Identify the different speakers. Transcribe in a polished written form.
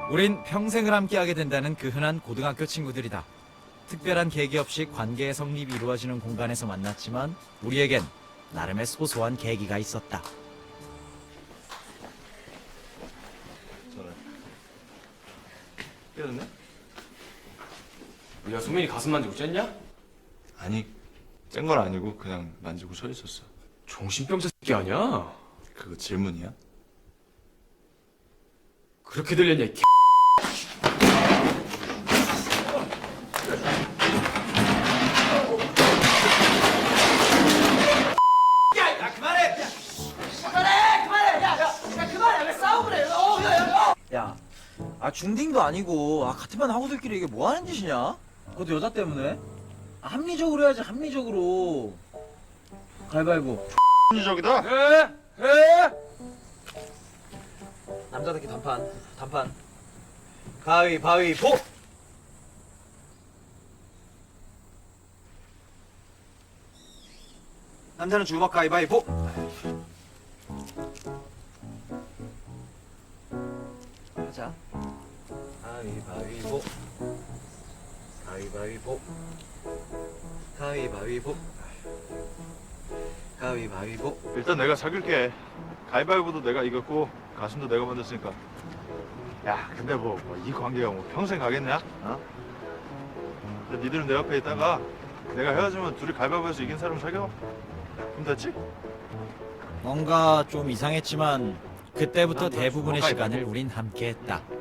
Speaker 1: 우린 평생을 함께하게 된다는 그 흔한 고등학교 친구들이다. 특별한 계기 없이 관계의 성립이 이루어지는 공간에서 만났지만 우리에겐 나름의 소소한 계기가 있었다.
Speaker 2: 깨졌네?
Speaker 3: 야, 소민이 가슴 만지고 쨌냐?
Speaker 2: 아니, 짠 건 아니고 그냥 만지고 서 있었어.
Speaker 3: 정신병자 새끼 아니야?
Speaker 2: 그거 질문이야?
Speaker 3: 그렇게 들렸냐, 이
Speaker 4: 야, 중딩도 아니고 같은 반 하고들끼리 이게 뭐 하는 짓이냐? 그것도 여자 때문에? 합리적으로 해야지, 합리적으로. 가위바위보.
Speaker 2: 합리적이다?
Speaker 4: 남자들끼리 단판. 가위바위보! 남자는 주먹 가위바위보! 하자. 가위바위보. 가위바위보.
Speaker 2: 일단 내가 사귈게. 가위바위보도 내가 이겼고 가슴도 내가 만졌으니까. 야, 근데 이 관계가 평생 가겠냐? 어? 근데 니들은 내 옆에 있다가 내가 헤어지면 둘이 가위바위보에서 이긴 사람 사겨? 그럼 됐지?
Speaker 1: 뭔가 좀 이상했지만 그때부터
Speaker 2: 난
Speaker 1: 대부분의
Speaker 2: 가위바위보.
Speaker 1: 시간을 우린 함께했다.